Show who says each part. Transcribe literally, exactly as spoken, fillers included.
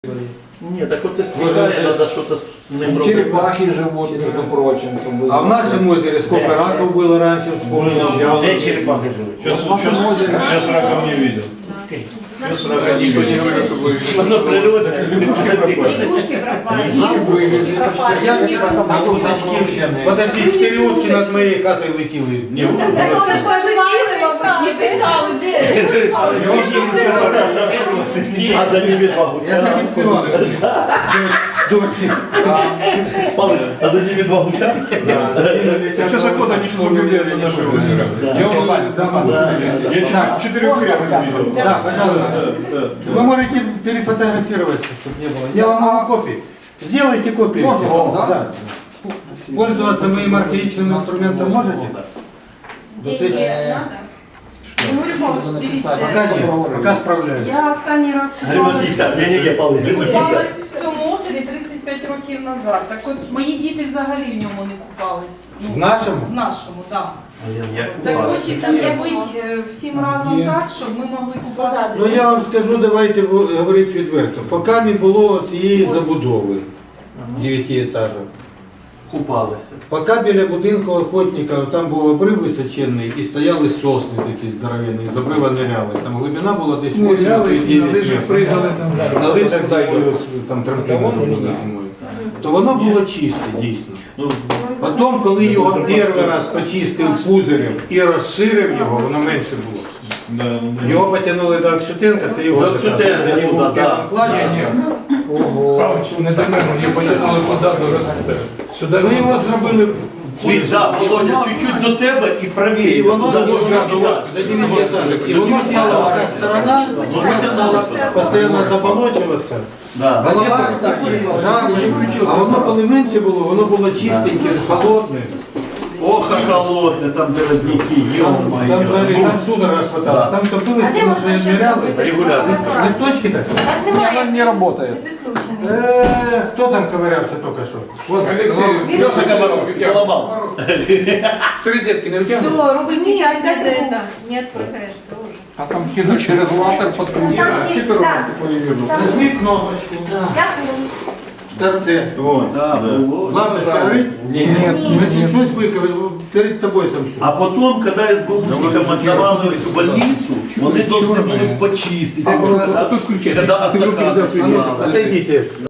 Speaker 1: Ні, так от стихає, треба щось з ним робити.
Speaker 2: Черепахи живут, между прочим. Чтобы...
Speaker 3: А в нашем озере сколько раков было раньше, вспомнил?
Speaker 1: Де черепахи живуть?
Speaker 4: Сейчас, сейчас, сейчас раков не видел. Сейчас раков не видел.
Speaker 1: Воно природне.
Speaker 5: Лягушки пропали, лягушки пропали.
Speaker 3: Я а уточки, подожди, четыре утки над моей хатой летели.
Speaker 4: Не,
Speaker 5: Ну так так вони ж поживали, мабуть, не писали, де.
Speaker 1: А за ними два
Speaker 3: Я
Speaker 1: гуся.
Speaker 3: так и спевал. Дочь.
Speaker 1: А за ними два гуся?
Speaker 4: сейчас охота не соблюдает на наше озеро. Я вот- Я
Speaker 3: Так.
Speaker 4: четырех крепок видел.
Speaker 3: Да, пожалуйста. Вы можете перефотографироваться, чтобы не было. Я вам могу копии. Сделайте копии.
Speaker 2: Можно,
Speaker 3: всего.
Speaker 2: да?
Speaker 3: Да. Пользоваться моим архаичным инструментом можете?
Speaker 5: Деньги надо? Ну, Іванович, дивіться,
Speaker 3: Пока нет, пока справляюсь.
Speaker 5: я останній раз
Speaker 1: Гривна
Speaker 5: купалась,
Speaker 1: п'ятдесят, я не є пали. Гривна
Speaker 5: купалась
Speaker 1: п'ятдесят.
Speaker 5: в цьому озері тридцять п'ять років назад. Так от мої діти взагалі в ньому не купались. Ну,
Speaker 3: В нашому?
Speaker 5: В нашому, так.
Speaker 1: Я
Speaker 5: Так
Speaker 1: купався.
Speaker 5: хочеться зробити е, всім разом так, щоб ми могли купатися.
Speaker 3: Ну я вам скажу, давайте бу- говорити відверто. Поки не було цієї забудови дев'ятиэтажок,
Speaker 1: Купалися.
Speaker 3: поки біля будинку охотника там був обрив височенний і стояли сосни такі здоровенні, з обрива ниряли. Там глибина була десь вісім-дев'ять метрів. На лижах зимою, там трампліни робили зимою. То воно було чисте, дійсно.
Speaker 1: Ну,
Speaker 3: Потім, коли його перший раз почистив Пузирєв і розширив його, воно менше було.
Speaker 4: Да, ну, да.
Speaker 3: Його потягнули до Аксютенка, це його
Speaker 1: До
Speaker 3: заказ.
Speaker 1: Аксютенка,
Speaker 3: Тоді
Speaker 1: ну,
Speaker 3: був
Speaker 1: да,
Speaker 3: в першому
Speaker 1: да.
Speaker 3: класі.
Speaker 2: Ого.
Speaker 6: Не до мене, мені потягнули позаду, роз- сюди.
Speaker 3: Ми його зробили
Speaker 1: Ой, да, Володя, чуть-чуть до тебе і правіше.
Speaker 3: і воно
Speaker 1: Туди,
Speaker 3: було
Speaker 1: туди,
Speaker 3: до
Speaker 1: туди.
Speaker 3: дев'ятиэтажок. І воно стало одна сторона, вона стала постійно заболочуватися.
Speaker 1: Да.
Speaker 3: Голова жабри, а воно коли менше було, воно було чистеньке, холодне.
Speaker 1: Ох, а холодне, там де родники,
Speaker 3: Там, там,
Speaker 1: ё-моё.
Speaker 3: взагалі, там судорога хватало, там топилися, там вже ныряли.
Speaker 1: Регулярно.
Speaker 3: Листочки так?
Speaker 2: Она не работает.
Speaker 3: Е, Хто там ковырявся тільки що?
Speaker 2: Вот,
Speaker 6: Алексей,
Speaker 1: Леша Комаров, поламав.
Speaker 6: с розетки не витягнув?
Speaker 5: Все, рубль пятьдесят не это. Не отправляешься уже.
Speaker 2: а там кину через латер подкрутить. Вообще первый раз такое вижу.
Speaker 3: Нажми кнопочку. В торце.
Speaker 1: О, да, було.
Speaker 3: Лампочка горить?
Speaker 2: Нет,
Speaker 3: Значить, щось виковали, перед тобою там все.
Speaker 1: А потом, когда СБУшникам отдавали в больницу, вони должны були почистити.
Speaker 3: Це було-
Speaker 6: А тут включай.
Speaker 1: Когда
Speaker 6: Ти в руки
Speaker 1: осака
Speaker 6: взяв,
Speaker 3: А ну,
Speaker 1: починала.
Speaker 3: отойдите.